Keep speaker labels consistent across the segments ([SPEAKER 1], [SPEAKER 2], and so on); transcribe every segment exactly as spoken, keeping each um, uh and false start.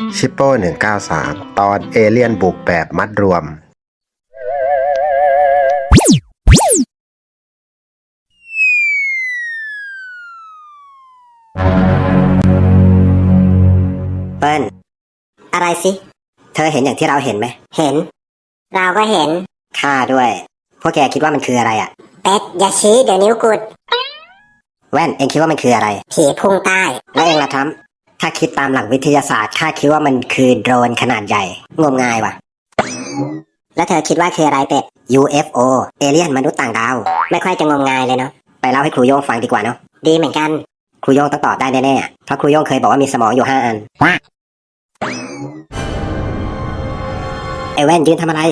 [SPEAKER 1] ชิปโป้หนึ่งเก้าสามตอนเอเลี่ยนบุกแบบมัดรวม
[SPEAKER 2] เปิ้ลอะไรสิ เธอเห็นอย่างที่เราเห็นไหม เห็น เราก็เห็น ข้าด้วย พวกแกคิดว่ามันคืออะไรอ่ะ เป็ดอย่าชี้เดี๋ยวนิ้วกุด แว่นเองคิดว่ามันคืออะไร ผีพุ่งใต้ แล้วเองล่ะทัมถ้าคิดตามหลักวิทยาศาสตร์ข้าคิดว่ามันคือโดรนขนาดใหญ่ งมงายว่ะ แล้วเธอคิดว่าคืออะไรเป็ด ยู เอฟ โอ เอเลี่ยนมนุษย์ต่างดาว ไม่ค่อยจะงมงายเลยเนาะ ไปเล่าให้ครูโย่งฟังดีกว่าเนาะ ดีเหมือนกัน ครูโย่งต้องตอบได้แน่ๆเพราะครูโย่งเคยบอกว่ามีสมองอยู่ห้าอันไอแว่นยืนทำอะไร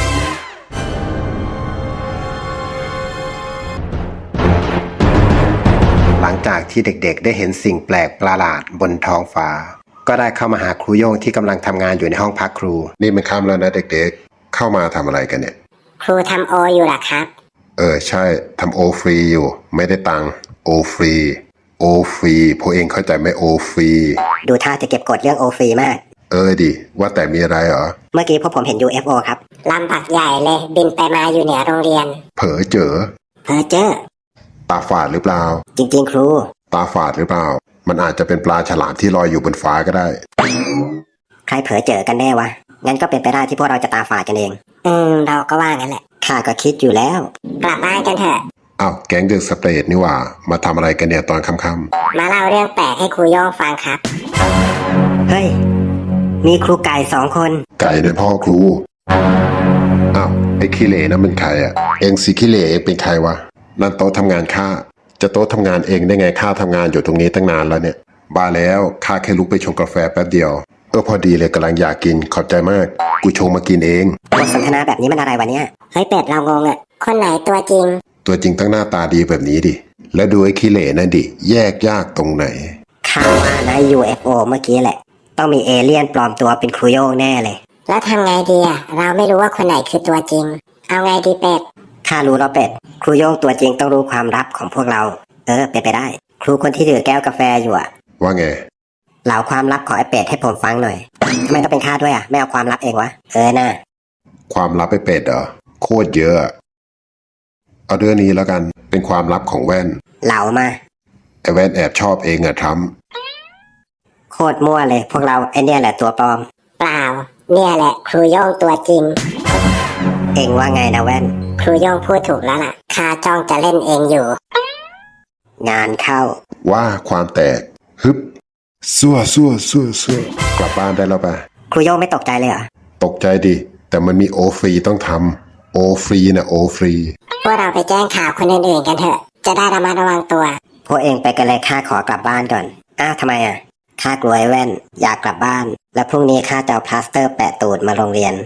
[SPEAKER 1] หลังจากที่เด็กๆได้เห็นสิ่งแปลกประหลาดบนท้องฟ้าก็ได้เข้ามาหาครูโย่งที่กำลังทำงานอยู่ในห้องพักครูนี่มันค่ำแล้วนะเด็กๆเข้ามาทำอะไรกันเนี่ย
[SPEAKER 2] ครูทำโออยู่หรอครับ
[SPEAKER 1] เออใช่ทำโอฟรีอยู่ไม่ได้ตังค์โอฟรีโอฟรีพวกเองเข้าใจไหมโอฟรี
[SPEAKER 2] ดูท่าจะเก็บกดเรื่องโอฟรีมาก
[SPEAKER 1] เออดิว่าแต่มีอะไรเหรอ
[SPEAKER 2] เมื่อกี้พวกผมเห็น ยู เอฟ โอ ครับลำปักใหญ่เลยบินไปมาอยู่เหนือโรงเรียน
[SPEAKER 1] เผลอเจอ
[SPEAKER 2] เผลอเจอ
[SPEAKER 1] ตาฝาดหรือเปล่า
[SPEAKER 2] จริงๆครู
[SPEAKER 1] ตาฝาดหรือเปล่ามันอาจจะเป็นปลาฉลามที่ลอยอยู่บนฟ้าก็ได้
[SPEAKER 2] ใครเผลอเจอกันแน่วะงั้นก็เป็นไปได้ที่พวกเราจะตาฝาดกันเองอืมเราก็ว่างั้นแหละข้าก็คิดอยู่แล้วกลับบ้านกันเถอะ
[SPEAKER 1] อ้าวแก๊งเดอะสเตทนี่ว่ามาทำอะไรกันเนี่ยตอนค่ำ
[SPEAKER 2] ๆมาเล่าเรื่องแปลกให้ครูโย่งฟังครับเฮ้ยมีครูไก่สองคน
[SPEAKER 1] ไก่เนี่ยพ่อครูอ้าวไอ้ขี้เหร่นั่นเป็นใครอ่ะเองสิขี้เหร่เองเป็นใครวะนั่นโต๊ะทำงานข้าจะโต๊ะทำงานเองได้ไงข้าทำงานอยู่ตรงนี้ตั้งนานแล้วเนี่ยบ้าแล้วข้าแค่ลุกไปชงกาแฟแป๊บเดียวเออพอดีเลยกำลังอยากกินขอบใจมากกูชงมากินเอง
[SPEAKER 2] บทสนทนาแบบนี้มันอะไรวะเนี่ยเฮ้ยเป็ดเรางงอ่ะคนไหนตัวจริง
[SPEAKER 1] ตัวจริงตั้งหน้าตาดีแบบนี้ดิแล้วดูไอ้ขี้เหร่นั่นดิแยกยากตรงไหน
[SPEAKER 2] ข้าว่านะ ยู เอฟ โอ เมื่อกี้แหละต้องมีเอเลี่ยนปลอมตัวเป็นครูโย่งแน่เลยแล้วทำไงดีอ่ะเราไม่รู้ว่าคนไหนคือตัวจริงเอาไงดีเป็ดข้ารู้แล้วเป็ดครูโย่งตัวจริงต้องรู้ความลับของพวกเราเออเป็นไปได้ครูคนที่ถือแก้วกาแฟอยู่อ่ะ
[SPEAKER 1] ว่าไง
[SPEAKER 2] เล่าความลับของไอ้เป็ดให้ผมฟังหน่อยทำไมต้องเป็นข้าด้วยอ่ะไม่เอาความลับเองวะเออน่ะ
[SPEAKER 1] ความลับไอ้เป็ดเหรอโคตรเยอะเอาเรื่องนี้แล้วกันเป็นความลับของแว่น
[SPEAKER 2] เล่ามา
[SPEAKER 1] ไอ้แว่นแอบชอบเองอะท
[SPEAKER 2] ำโคตรมั่วเลยพวกเราไอ้เนี่ยแหละตัวปลอมเปล่าเนี่ยแหละครูโย่งตัวจริงเองว่าไงนะแว่นครูโย่งพูดถูกแล้วล่ะข้าจ้องจะเล่นเองอยู่งานเข้า
[SPEAKER 1] ว่าความแตกฮึบซั่วซั่วซั่วซั่วกลับบ้านได้แล้วปะ
[SPEAKER 2] ครูโย่งไม่ตกใจเลยเหรอ
[SPEAKER 1] ตกใจดิแต่มันมีโอฟรีต้องทำโอฟรีนะโอฟรี
[SPEAKER 2] พวกเราไปแจ้งข่าวคนอื่นๆกันเถอะจะได้ระมัดระวังตัวพวกเองไปกันเลยข้าขอกลับบ้านก่อนอ้าวทำไมอ่ะข้ากลัวไอ้แว่นอยากกลับบ้านและพรุ่งนี้ข้าจะเอาพลาสเตอร์แปะตูดมาโรงเรียน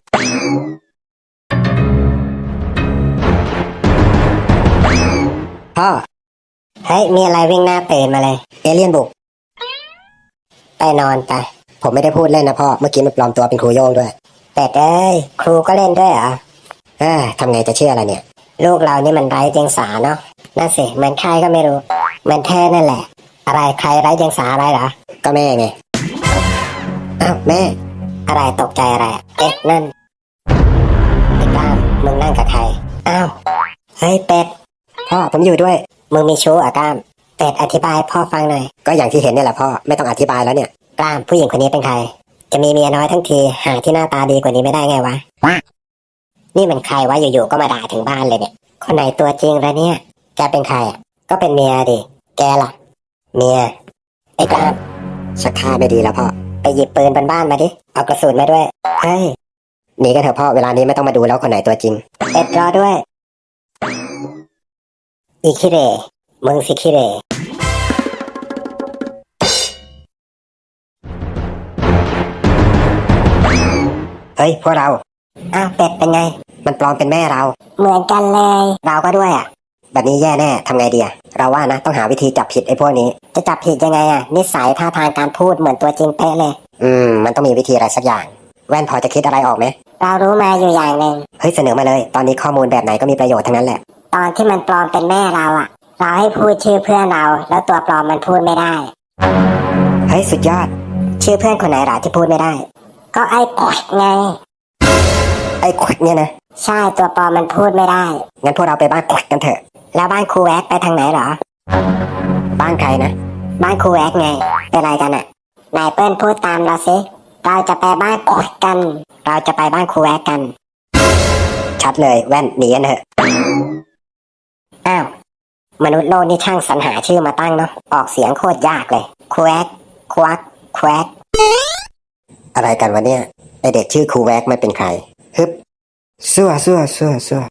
[SPEAKER 2] พ่อเฮ้ยมีอะไรวิ่งหน้าเปรนมาเลยเอเลี่ยนบุกไปนอนไปผมไม่ได้พูดเล่นนะพ่อเมื่อกี้มันปลอมตัวเป็นครูโย่งด้วยแต่เอ้ยครูก็เล่นด้วยเหรอเอ้ยทำไงจะเชื่ออะไรเนี่ยลูกเรานี่มันไร้เดียงสาเนาะนั่นสิเหมือนใครก็ไม่รู้เหมือนแท้นั่นแหละอะไรใครไร้เดียงสาอะไรเหรอก็แม่ไงอ้าวแม่อะไรตกใจอะไรเอ๊ะนั่นไอ้ก้ามมึงนั่งกับใครอ้าวเฮ้ยเป็ดพ่อผมอยู่ด้วยมึงมีชู้อ่ะก้ามเป็ดอธิบายพ่อฟังหน่อยก็อย่างที่เห็นนี่แหละพ่อไม่ต้องอธิบายแล้วเนี่ยก้ามผู้หญิงคนนี้เป็นใครจะมีเมียน้อยทั้งทีหาที่หน้าตาดีกว่านี้ไม่ได้ไงวะนี่มันใครวะอยู่ๆก็มาด่าถึงบ้านเลยเนี่ยคนไหนตัวจริงละเนี่ยแกเป็นใครอ่ะก็เป็นเมียดิแกล่ะเมียไอ้กล้ามชักท่าไม่ดีแล้วพ่อไปหยิบปืนบนบ้านมาดิเอากระสุนมาด้วยเฮ้ยหนีกันเถอะพ่อเวลานี้ไม่ต้องมาดูแล้วคนไหนตัวจริงเอ็ดรอด้วยอีคิเรมึงสิคิเรเฮ้ยพวกเราอ้าวเป็ดเป็นไงมันปลอมเป็นแม่เราเหมือนกันเลยเราก็ด้วยอ่ะแบบนี้แย่แน่ทำไงดีอ่ะเราว่านะต้องหาวิธีจับผิดไอ้พวกนี้จะจับผิดยังไงอ่ะนิสัยท่าทางการพูดเหมือนตัวจริงเป๊ะเลยอืมมันต้องมีวิธีอะไรสักอย่างแว่นพอจะคิดอะไรออกไหมเรารู้มาอยู่อย่างหนึ่งเฮ้ยเสนอมาเลยตอนนี้ข้อมูลแบบไหนก็มีประโยชน์ทั้งนั้นแหละตอนที่มันปลอมเป็นแม่เราอ่ะเราให้พูดชื่อเพื่อนเราแล้วตัวปลอมมันพูดไม่ได้เฮ้ยสุดยอดชื่อเพื่อนคนไหนหรอที่พูดไม่ได้ ก็ไอ้ขวดไง ไอ้ขวดเนี่ยนะใช่ตัวปลอมมันพูดไม่ได้งั้นพวกเราไปบ้านขวดกันเถอะแล้วบ้านครูแวกไปทางไหนหรอบ้านใครนะบ้านครูแวกไงเป็นไรกันอะนายเปิ้ลพูดตามเราสิเราจะไปบ้านขวดกัน เราจะไปบ้านครูแวกกัน ชัดเลยแว่นหนีกันเถอะอ้าวมนุษย์โลกนี่ช่างสรรหาชื่อมาตั้งเนาะออกเสียงโคตรยากเลยครูแวกควักแควกอะไรกันวะเนี่ยไอเด็กชื่อครูแวกไม่เป็นใครฮึบซัวซัวซัวซั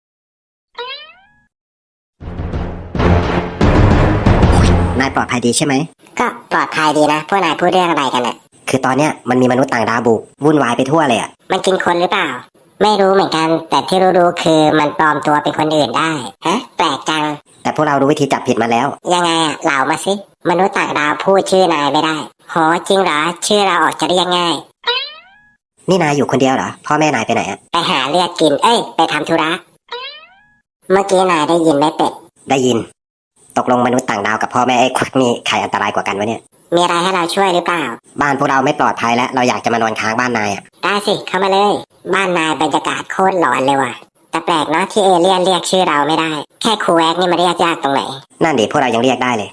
[SPEAKER 2] วนายปลอดภัยดีใช่ไหมก็ปลอดภัยดีนะพวกนายพูดเรื่องอะไรกันอะคือตอนเนี้ยมันมีมนุษย์ต่างดาวบุกวุ่นวายไปทั่วเลยอะมันกินคนหรือเปล่าไม่รู้เหมือนกันแต่ที่รู้ๆคือมันปลอมตัวเป็นคนอื่นได้ฮะแปลกจังแต่พวกเรารู้วิธีจับผิดมาแล้วยังไงอะเล่ามาสิมนุษย์ต่างดาวพูดชื่อนายไม่ได้โหจริงเหรอชื่อเราออกจะเรียกง่ายนี่นายอยู่คนเดียวเหรอพ่อแม่นายไปไหนอะไปหาเลือดกินเอ้ยไปทำธุระเมื่อกี้นายได้ยินไหมเป็ดได้ยินตกลงมนุษย์ต่างดาวกับพ่อแม่ไอ้ควักนี่ใครอันตรายกว่ากันวะเนี่ยมีอะไรให้เราช่วยหรือเปล่าบ้านพวกเราไม่ปลอดภัยแล้วเราอยากจะมานอนค้างบ้านนายอะได้สิเข้ามาเลยบ้านนายบรรยากาศโคตรหลอนเลยว่ะแต่แปลกเนาะที่เอเลี่ยนเรียกชื่อเราไม่ได้แค่ครูแวกนี่มาเรียกยากตรงไหนนั่นดิพวกเรายังเรียกได้เลย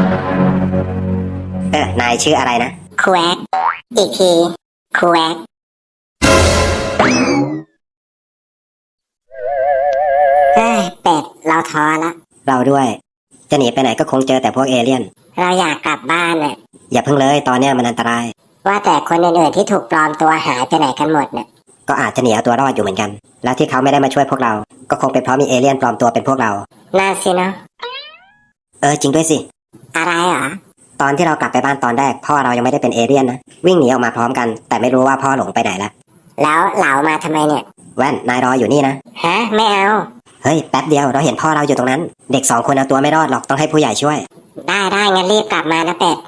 [SPEAKER 2] เออนายชื่ออะไรนะครูแวกอีกทีครูแวกเฮ้ยเป็ดเราท้อละเราด้วยจะหนีไปไหนก็คงเจอแต่พวกเอเลี่ยนเราอยากกลับบ้านน่ะอย่าเพิ่งเลยตอนเนี้ยมันอันตรายว่าแต่คนอื่นๆที่ถูกปลอมตัวหายไปไหนกันหมดเนี่ยก็อาจจะหนีเอาตัวรอดอยู่เหมือนกันแล้วที่เขาไม่ได้มาช่วยพวกเราก็คงเป็นเพราะมีเอเลี่ยนปลอมตัวเป็นพวกเราน่าสินะเออจริงด้วยสิอะไรเหรอตอนที่เรากลับไปบ้านตอนแรกพ่อเรายังไม่ได้เป็นเอเลี่ยนนะวิ่งหนีออกมาพร้อมกันแต่ไม่รู้ว่าพ่อหลงไปไหนละแล้วเหลามาทำไมเนี่ยแว่นนายรออยู่นี่นะฮะไม่เอาเฮ้ยแป๊บเดียวเราเห็นพ่อเราอยู่ตรงนั้นเด็กสองคนเอาตัวไม่รอดหรอกต้องให้ผู้ใหญ่ช่วยได้ได้งั้นรีบกลับมานะเป็ด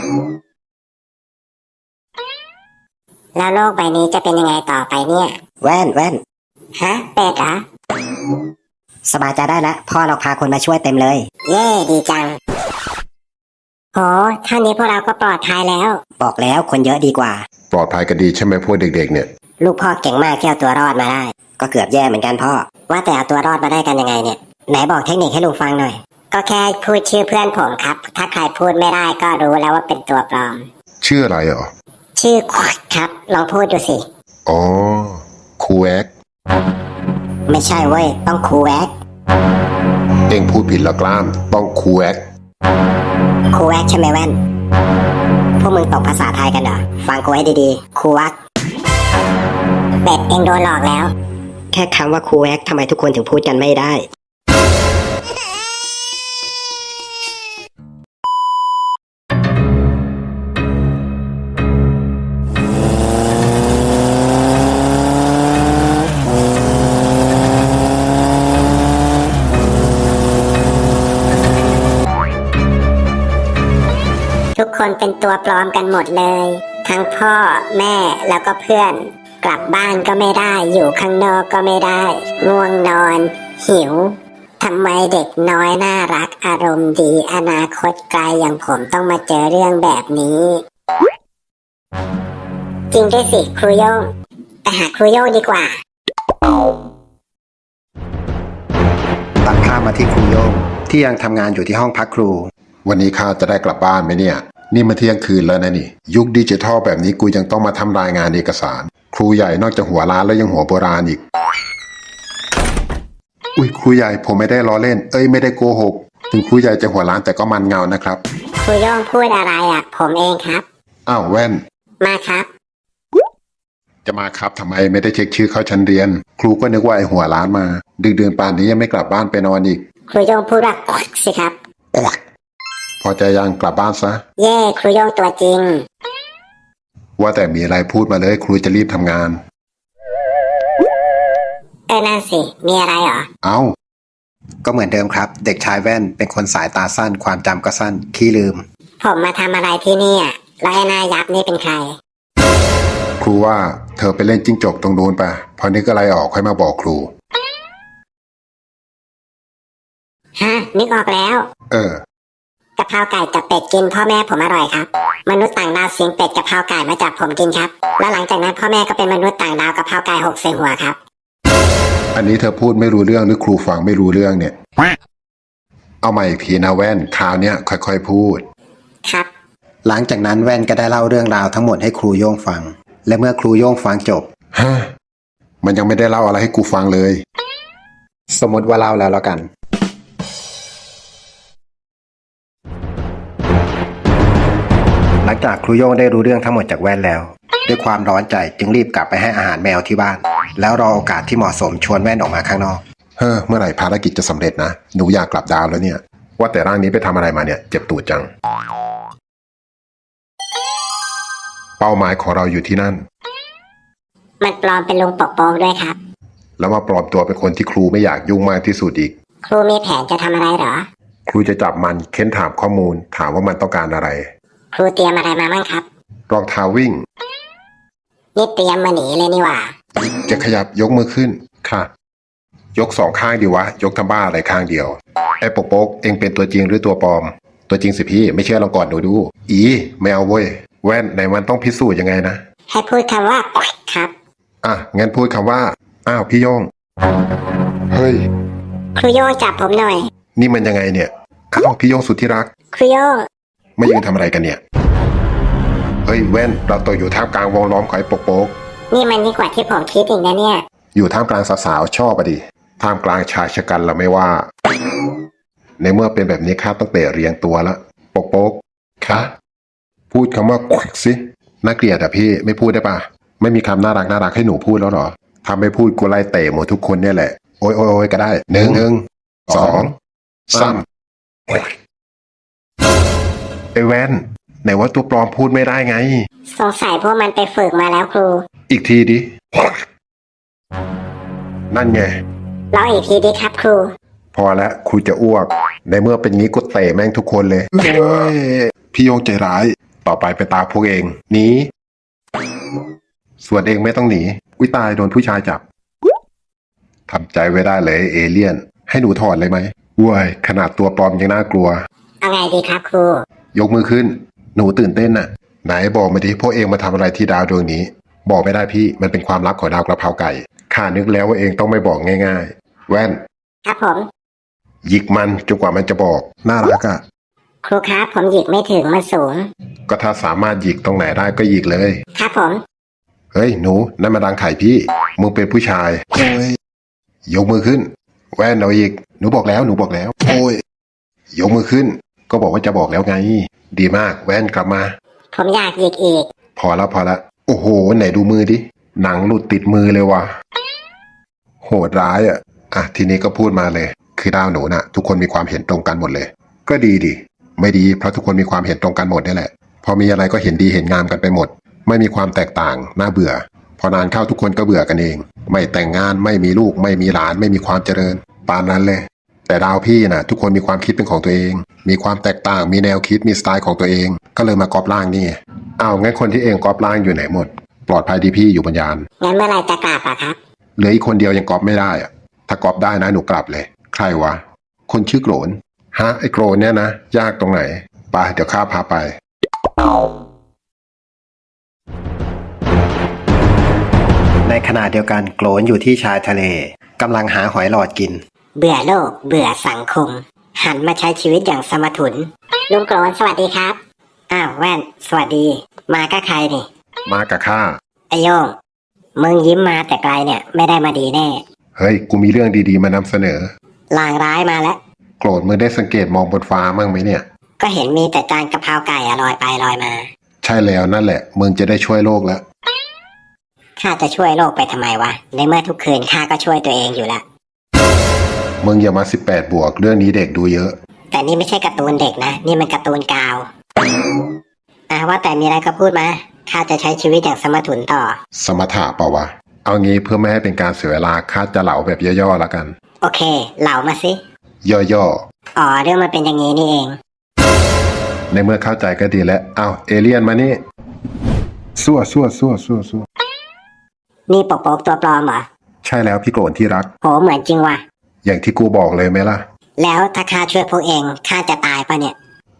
[SPEAKER 2] แล้วโลกใบนี้จะเป็นยังไงต่อไปเนี่ยแว่นแว่นฮะเป็ดเหรอสบายใจได้แล้วพ่อเราพาคนมาช่วยเต็มเลยเย่ดีจังโหท่านี้พวกเราก็ปลอดภัยแล้วบอกแล้วคนเยอะดีกว่า
[SPEAKER 1] ปลอดภัยกันดีใช่ไหมพวกเด็กๆเนี่ย
[SPEAKER 2] ลูกพ่อเก่งมากที่เอาตัวรอดมาได้ก็เกือบแย่เหมือนกันพ่อว่าแต่เอาตัวรอดมาได้กันยังไงเนี่ยไหนบอกเทคนิคให้ลุงฟังหน่อยก็แค่พูดชื่อเพื่อนผมครับถ้าใครพูดไม่ได้ก็รู้แล้วว่าเป็นตัวปลอม
[SPEAKER 1] ชื่ออะไรเหรอ
[SPEAKER 2] ชื่อขวดครับลองพูดดูสิ
[SPEAKER 1] อ๋อครูแวก
[SPEAKER 2] ไม่ใช่เว้ยต้องครูแวก
[SPEAKER 1] เอ็งพูดผิดแล้วกล้ามต้องครูแวก
[SPEAKER 2] ครูแวกใช่ไหมแว่นพวกมึงตกภาษาไทยกันเหรอฟังกูให้ดีๆครูแวกเป็ดเอ็งโดนหลอกแล้วแค่คำว่าครูแวกทำไมทุกคนถึงพูดกันไม่ได้ทุกคนเป็นตัวปลอมกันหมดเลยทั้งพ่อแม่แล้วก็เพื่อนกลับบ้านก็ไม่ได้อยู่ข้างนอกก็ไม่ได้ง่วงนอนหิวทำไมเด็กน้อยน่ารักอารมณ์ดีอนาคตไกลอย่างผมต้องมาเจอเรื่องแบบนี้จริงด้วยสิครูโย่งไปหาครูโย่งดีกว่า
[SPEAKER 1] ตัดภาพมาที่ครูโย่งที่ยังทำงานอยู่ที่ห้องพักครูวันนี้ข้าจะได้กลับบ้านไหมเนี่ยนี่มาเที่ยงคืนแล้วนะนี่ยุคดิจิทัลแบบนี้กูยังต้องมาทำรายงานเอกสารครูใหญ่นอกจากหัวล้านแล้วยังหัวโบราณอีกอุ้ยครูใหญ่ผมไม่ได้ล้อเล่นเอ้ยไม่ได้โกหกถึงครูใหญ่จะหัวล้านแต่ก็มันเงานะครับ
[SPEAKER 2] ครูย่องพูดอะไรอ่ะผมเองครับ
[SPEAKER 1] อ้าวแว่น
[SPEAKER 2] มาครับ
[SPEAKER 1] จะมาครับทำไมไม่ได้เช็คชื่อเข้าชั้นเรียนครูก็นึกว่าไอหัวล้านมาดึกเดือนป่านนี้ยังไม่กลับบ้านไปนอนอีก
[SPEAKER 2] ครูย่องพูดว่าสิครับ
[SPEAKER 1] พอใจยังกลับบ้านซะ
[SPEAKER 2] เย่ครูโย่งตัวจริง
[SPEAKER 1] ว่าแต่มีอะไรพูดมาเลยครูจะรีบทำงาน
[SPEAKER 2] เออนั่นสิมีอะไรเหรอ
[SPEAKER 1] เอ้าก็เหมือนเดิมครับเด็กชายแว่นเป็นคนสายตาสั้นความจำก็สั้นขี้ลืม
[SPEAKER 2] ผมมาทำอะไรที่นี่อ่ะแล้วไอ้นายยับนี่เป็นใคร
[SPEAKER 1] ครูว่าเธอไปเล่นจิ้งจกตรงนู้นไปพอนึกอะไรออกค่อยมาบอกครู
[SPEAKER 2] ฮะนึกออกแล้ว
[SPEAKER 1] เออ
[SPEAKER 2] กับ
[SPEAKER 3] เพราไก่กับเป็ดกินพ่อแม่ผมอร่อยครับมนุษย์ต่างดาวเสียงเป็ดกับเพราไก่มาจับผมกินครับแล้วหลังจากนั้นพ่อแม่ก็เป็นมนุษย์ต่างดาวกับเพราไก่หกใส่หัวครับ
[SPEAKER 1] อันนี้เธอพูดไม่รู้เรื่องหรือครูฟังไม่รู้เรื่องเนี่ย เอามาอีกทีนะแว่นคราวเนี้ยค่อยๆพูด
[SPEAKER 3] ครับ
[SPEAKER 4] หลังจากนั้นแว่นก็ได้เล่าเรื่องราวทั้งหมดให้ครูโย่งฟัง และเมื่อครูโย่งฟังจบ
[SPEAKER 1] ฮะ มันยังไม่ได้เล่าอะไรให้กูฟังเลย
[SPEAKER 4] สมมติว่าเล่าแล้วแล้วกัน หลังจากครูโย่งได้รู้เรื่องทั้งหมดจากแว่นแล้ว ด้วยความร้อนใจจึงรีบกลับไปให้อาหารแมวที่บ้าน แล้วรอโอกาสที่เหมาะสมชวนแว่นออกมาข้างนอก
[SPEAKER 1] เฮ้อเมื่อไหร่ภารกิจจะสำเร็จนะ หนูอยากกลับดาวแล้วเนี่ย ว่าแต่ร่างนี้ไปทำอะไรมาเนี่ย เจ็บตูดจัง เป้าหมายของเราอยู่ที่นั่น
[SPEAKER 3] มันปลอมเป็นลุงปกโป๊กด้วยครับ
[SPEAKER 1] แล้วมาปลอมตัวเป็นคนที่ครูไม่อยากยุ่งมากที่สุดอีก
[SPEAKER 3] ครูมีแผนจะทำอะไรเหรอ
[SPEAKER 1] ครูจะจับมันเค้นถามข้อมูล ถามว่ามันต้องการอะไร
[SPEAKER 3] ครูเตรียมอะไรมาบ้างครับ
[SPEAKER 1] รองเท้าวิ่ง
[SPEAKER 3] นี่เตรียมมาหนีเลยนี่หว่า
[SPEAKER 1] จะขยับยกมือขึ้น ค่ะ ยกสองข้างดีวะ ยกทำบ้าอะไรข้างเดียว ไอ้ปกโป๊กเองเป็นตัวจริงหรือตัวปลอม ตัวจริงสิพี่ ไม่เชื่อลองก่อนหนูดู อีไม่เอาเว้ย แว่นไหนมันต้องพิสูจน์ยังไงนะ
[SPEAKER 3] ให้พูดคำว่าครับ
[SPEAKER 1] อ่ะ งั้นพูดคำว่า อ้าวพี่โยง เฮ้ย
[SPEAKER 3] ครูโย่งจับผมหน่อย
[SPEAKER 1] นี่มันยังไงเนี่ย อ้าวพี่โยงสุดที่รัก
[SPEAKER 3] ครูโย่ง
[SPEAKER 1] ไม่ยืนทำอะไรกันเนี่ย เฮ้ยแว่น เราตกอยู่ท่ามกลางวงล้อมของไอ้ปกโป๊ก
[SPEAKER 3] นี่มันยิ่งกว่าที่ผมคิดอีกนะเนี่ย
[SPEAKER 1] อยู่ท่ามกลางสาวๆชอบอะดิ ท่ามกลางชายชะกันเราไม่ว่า ในเมื่อเป็นแบบนี้ข้าต้องเตะเรียงตัวละปกโป๊กคะพูดคำว่าควักสิน่าเกลียดอะพี่ไม่พูดได้ปะไม่มีคำน่ารักน่ารักให้หนูพูดแล้วเหรอทำไม่พูดกูไล่เตะหมดทุกคนเนี่ยแหละโอ้ยโอ้ยโอ้ยก็ได้หนึ่งหนึ่งสองสามไอ้แว่นไหนว่าตัวปลอมพูดไม่ได้ไง
[SPEAKER 3] สงสัยพวกมันไปฝึกมาแล้วครู
[SPEAKER 1] อีกทีดินั่นไง
[SPEAKER 3] ลองอีกทีดีครับครู
[SPEAKER 1] พอแล้วครูจะอ้วก ในเมื่อเป็นงี้ก็เตะแม่งทุกคนเลยเฮ้ยพี่โยงใจร้าย ต่อไปไปตาพวกเองหนีส่วนเองไม่ต้องหนีอุ้ยตายโดนผู้ชายจับทำใจไว้ได้เลยเอเลี่ยน ให้หนูถอดเลยไหมว้ยขนาดตัวปลอมยังน่ากลัว
[SPEAKER 3] เอาไงดีครับครู
[SPEAKER 1] ยกมือขึ้น หนูตื่นเต้นน่ะ ไหนบอกมาดิพวกเองมาทำอะไรที่ดาวดวงนี้ บอกไม่ได้พี่มันเป็นความลับของดาวกระเพราไก่ข้านึกแล้วว่าเองต้องไม่บอกง่ายๆ แว่น
[SPEAKER 3] ครับผม
[SPEAKER 1] หยิกมันจนกว่ามันจะบอกน่ารักอะ
[SPEAKER 3] ครูครับผมหยิกไม่ถึงมันสูง
[SPEAKER 1] ก็ถ้าสามารถหยิกตรงไหนได้ก็หยิกเลย
[SPEAKER 3] ครับผม
[SPEAKER 1] เฮ้ยหนูนั่นมาดังไข่พี่มึงเป็นผู้ชายโอ้ยยกมือขึ้น แว่นเอาอีกหนูบอกแล้วหนูบอกแล้วโอ้ยยกมือขึ้น ก็บอกว่าจะบอกแล้วไง ดีมากแว่นกลับมา
[SPEAKER 3] ผมอยากหยิกอีก
[SPEAKER 1] พอแล้วพอแล้วโอ้โหไหนดูมือดิหนังหลุดติดมือเลยว่ะโหดร้ายอ่ะอ่ะทีนี้ก็พูดมาเลย คือดาวหนูน่ะ ทุกคนมีความเห็นตรงกันหมดเลย ก็ดีดิไม่ดีเพราะทุกคนมีความเห็นตรงกันหมดนี่แหละพอมีอะไรก็เห็นดีเห็นงามกันไปหมด ไม่มีความแตกต่างน่าเบื่อ พอนานเข้าทุกคนก็เบื่อกันเอง ไม่แต่งงานไม่มีลูกไม่มีหลานไม่มีความเจริญปานนั้นเลย แต่ดาวพี่น่ะ ทุกคนมีความคิดเป็นของตัวเอง มีความแตกต่างมีแนวคิดมีสไตล์ของตัวเอง ก็เลยมากอบร่างนี่อ้าวงั้นคนที่เองกอบร่างอยู่ไหนหมด ปลอดภัยดีพี่อยู่บนยาน
[SPEAKER 3] งั้นเมื่อไหรจะกลับอะครับ
[SPEAKER 1] เหลืออีกคนเดียวยังกอบไม่ได้อะถ้ากอบได้นะหนูกลับเลย ใครวะคนชื่อโกรนฮะไอ้โกรนเนี่ยนะยากตรงไหนไปเดี๋ยวข้าพาไป
[SPEAKER 4] ในขณะเดียวกันโกรนอยู่ที่ชายทะเลกำลังหาหอยหลอดกิน
[SPEAKER 3] เบื่อโลก เบื่อสังคม หันมาใช้ชีวิตอย่างสมถุน ลุงโกรนสวัสดีครับ อ้าวแว่น สวัสดี มากับใครนี่
[SPEAKER 1] มากับข้า
[SPEAKER 3] ไอโยง มึงยิ้มมาแต่ไกลเนี่ย ไม่ได้มาดีแน่
[SPEAKER 1] เฮ้ยกูมีเรื่องดีๆมานำเสนอ
[SPEAKER 3] ลางร้ายมาแล้ว
[SPEAKER 1] โกรธมึงได้สังเกตมองบนฟ้ามั่งไหมเนี่ย
[SPEAKER 3] ก็เห็นมีแต่จานกะเพราไก่อะลอยไปลอยมา
[SPEAKER 1] ใช่แล้วนั่นแหละมึงจะได้ช่วยโลกแล้ว
[SPEAKER 3] ข้าจะช่วยโลกไปทำไมวะ ในเมื่อทุกคืนข้าก็ช่วยตัวเองอยู่แล้ว
[SPEAKER 1] มึงอย่ามาสิบแปดบวกเรื่องนี้เด็กดูเยอะ
[SPEAKER 3] แต่นี่ไม่ใช่การ์ตูนเด็กนะ นี่มันการ์ตูนกาวอ่ะว่าแต่มีอะไรก็พูดมา ข้าจะใช้ชีวิตอย่างสมถุนต่อ
[SPEAKER 1] สมถะเปล่าวะเอางี้เพื่อไม่ให้เป็นการเสียเวลาข้าจะเหลาแบบย่อๆแล้วกัน
[SPEAKER 3] โอเค เหล่ามาสิ
[SPEAKER 1] ย่อ
[SPEAKER 3] อ๋อ เรื่องมันเป็นอย่างนี้นี่เอง
[SPEAKER 1] ๆในเมื่อเข้าใจก็ดีแล้วอ้าวเอเลี่ยนมานี่ซั่วซั่วซั่วซั่วซั่ว
[SPEAKER 3] นี่ปกโป๊กตัวปลอมเหรอ
[SPEAKER 1] ใช่แล้วพี่โกรธที่รัก
[SPEAKER 3] โห เหมือนจริงว่ะ
[SPEAKER 1] อย่างที่กูบอกเลยไหมล่ะ
[SPEAKER 3] แล้วถ้าข้าช่วยพวกเอง ข้าจะตายปะเนี่ย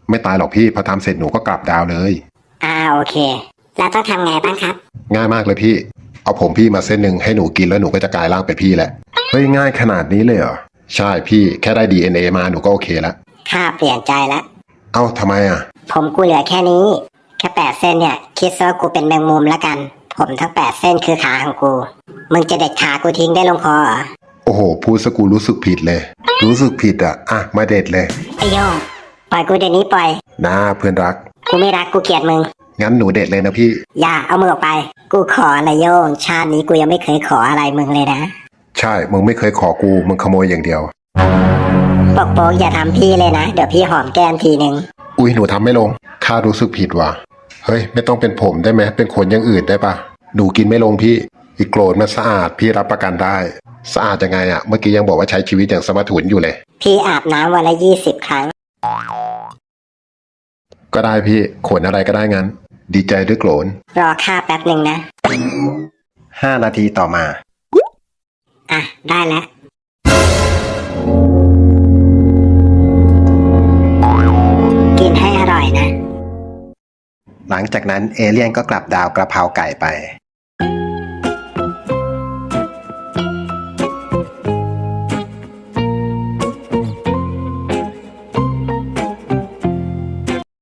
[SPEAKER 1] ไม่ตายหรอกพี่พอทำเสร็จหนูก็กลับดาวเลย
[SPEAKER 3] อ่าโอเค แล้วต้องทำไงบ้างครับ
[SPEAKER 1] ง่ายมากเลยพี่ เอาผมพี่มาเส้นหนึ่งให้หนูกินแล้วหนูก็จะกลายร่างเป็นพี่แหละ เฮ้ยง่ายขนาดนี้เลยเหรอ ใช่พี่แค่ได้ ดี เอ็น เอ มาหนูก็โอเคแล้ว
[SPEAKER 3] ข้าเปลี่ยนใจแล้ว
[SPEAKER 1] เอ้าทำไมอ่ะ
[SPEAKER 3] ผมกูเหลือแค่นี้ แค่แปดเส้นเนี่ย คิดซะว่ากูเป็นแมงมุมแล้วกัน ผมทั้งแปดเส้นคือขาของกู มึงจะเด็ดขากูทิ้งได้ลงคอเหรอ
[SPEAKER 1] โอ้โหพูดสกูรู้สึกผิดเลย รู้สึกผิดอ่ะอ่ะมาเด็ดเลย
[SPEAKER 3] ไอโยงปล่อยกูเดี๋ยวนี้ปล่อย
[SPEAKER 1] นะเพื่อนรัก
[SPEAKER 3] กูไม่รักกูเกลียดมึง
[SPEAKER 1] งั้นหนูเด็ดเลยนะพี่
[SPEAKER 3] อย่าเอามือออกไป กูขออะไรโยง ชาตินี้กูยังไม่เคยขออะไรมึงเลยนะ
[SPEAKER 1] ใช่มึงไม่เคยขอกูมึงขโมยอย่างเดียว
[SPEAKER 3] ปกโป๊กอย่าทำพี่เลยนะ เดี๋ยวพี่หอมแก้มทีหนึ่ง
[SPEAKER 1] อุ้ยหนูทำไม่ลงข้ารู้สึกผิดว่ะเฮ้ยไม่ต้องเป็นผมได้ไหมเป็นคนอย่างอื่นได้ปะหนูกินไม่ลงพี่อีกโกรธมันสะอาดพี่รับประกันได้ สะอาดยังไงอะเมื่อกี้ยังบอกว่าใช้ชีวิตอย่างสมถุนอยู่เลย
[SPEAKER 3] พี่อาบน้ำวันละยี่สิบครั้ง
[SPEAKER 1] ก็ได้พี่ขนอะไรก็ได้งั้น ดีใจด้วยโกรน
[SPEAKER 3] รอข้าแป๊บหนึ่งนะ
[SPEAKER 4] ห้านาทีต่อมา
[SPEAKER 3] อ่ะ ได้แล้ว กินให้อร่อยนะ
[SPEAKER 4] หลังจากนั้นเอเลี่ยนก็กลับดาวกระเพราไก่ไป